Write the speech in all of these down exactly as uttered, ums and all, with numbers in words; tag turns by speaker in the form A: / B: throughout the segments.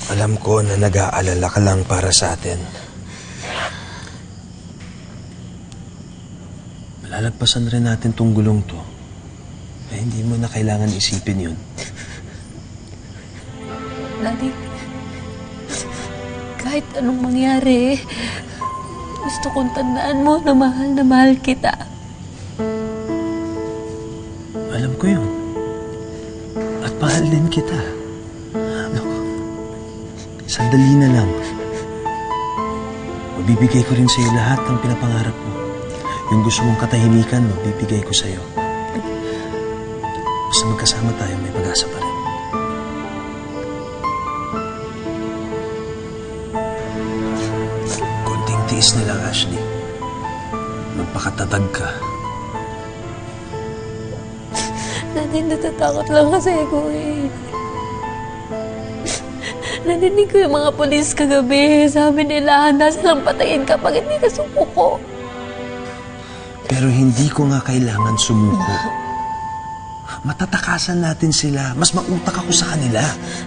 A: Alam ko na nag-aalala ka lang para sa atin. Malalagpasan rin natin tong gulong to. Eh, hindi mo na kailangan isipin yun.
B: Daddy, kahit anong mangyari, gusto kong tandaan mo na mahal na mahal kita.
A: Alam ko yun. At mahal din kita. No, sandali na lang. Mabibigay ko rin sa'yo lahat ng pinapangarap mo. Yung gusto mong katahimikan, mabibigay ko sa'yo. Basta magkasama tayo, may pag-asa pa rin. Konting tiis na lang, Ashley. Magpakatatag ka.
B: Daddy, natatakot lang kasi ako eh. Narinig ko yung mga polis kagabi. Sabi nila, handa silang patayin kapag hindi ka sumuko.
A: Pero hindi ko nga kailangan sumuko. Matatakasan natin sila. Mas mautak ako sa kanila.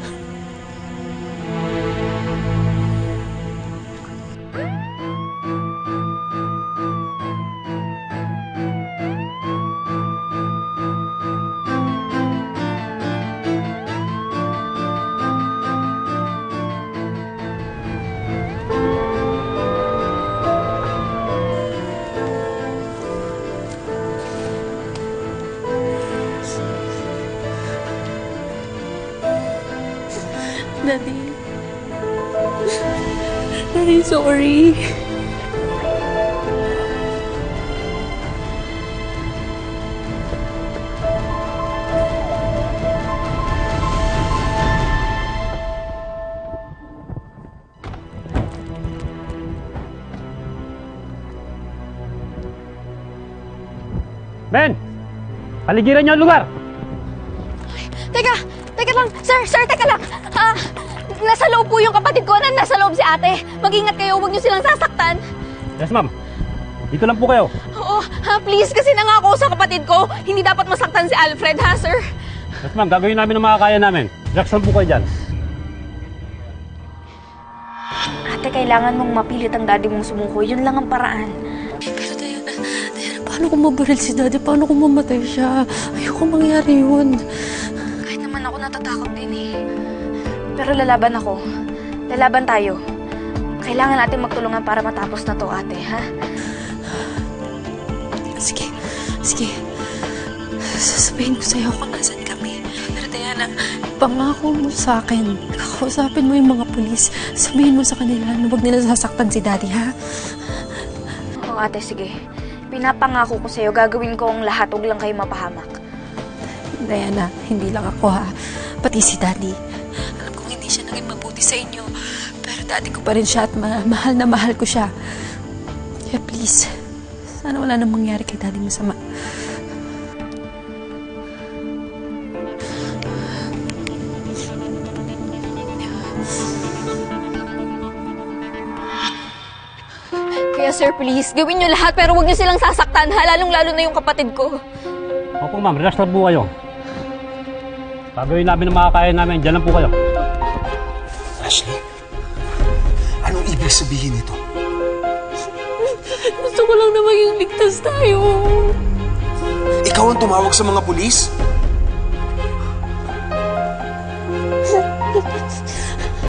B: Daddy. Daddy, sorry.
C: Ben! Paligiran niyo ang lugar!
D: Teka! Teka lang! Sir! Sir! Teka lang! Ah, nasa loob po yung kapatid ko. Nasa loob si ate. Mag-ingat kayo. Huwag niyo silang sasaktan.
C: Yes, ma'am. Dito lang po kayo.
D: Oo. Ha, please. Kasi nangako sa kapatid ko. Hindi dapat masaktan si Alfred, ha, sir?
C: Yes, ma'am. Gagawin namin ang makakaya namin. Relax lang po kayo dyan.
D: Ate, kailangan mong mapilit ang daddy mong sumuko. Yun lang ang paraan.
B: Pero Diana, Diana, paano kung mabaril si Daddy? Paano kung mamatay siya? Ayoko mangyari yun.
D: Kahit naman ako natatakot din eh. Pero lalaban ako. Lalaban tayo. Kailangan natin magtulungan para matapos na to, ate, ha?
B: Sige. Sige. Sasabihin ko sa'yo kung nasan kami. Pero Diana, pangako mo sa akin. Kausapin mo yung mga pulis. Sabihin mo sa kanila na huwag nila sasaktan si Daddy, ha?
D: Oo, ate, sige. Pinapangako ko sa'yo, gagawin ko ang lahat. Huwag lang kayo mapahamak.
B: Diana, hindi lang ako, ha? Pati si Daddy. Alam kong hindi siya naging mabuti sa inyo. Pero Daddy ko pa rin siya at ma mahal na mahal ko siya. Kaya please, sana wala nang mangyari kay Daddy masama.
D: Kaya sir, please, gawin niyo lahat pero huwag niyo silang sasaktan, ha? Lalong-lalo na yung kapatid ko.
C: Opo, ma'am. Relax lang po kayo. Gagawin namin ang makakaya namin. Diyan lang po kayo.
A: Ashley, anong ibig sabihin nito?
B: Gusto ko lang na maging ligtas tayo.
A: Ikaw ang tumawag sa mga pulis?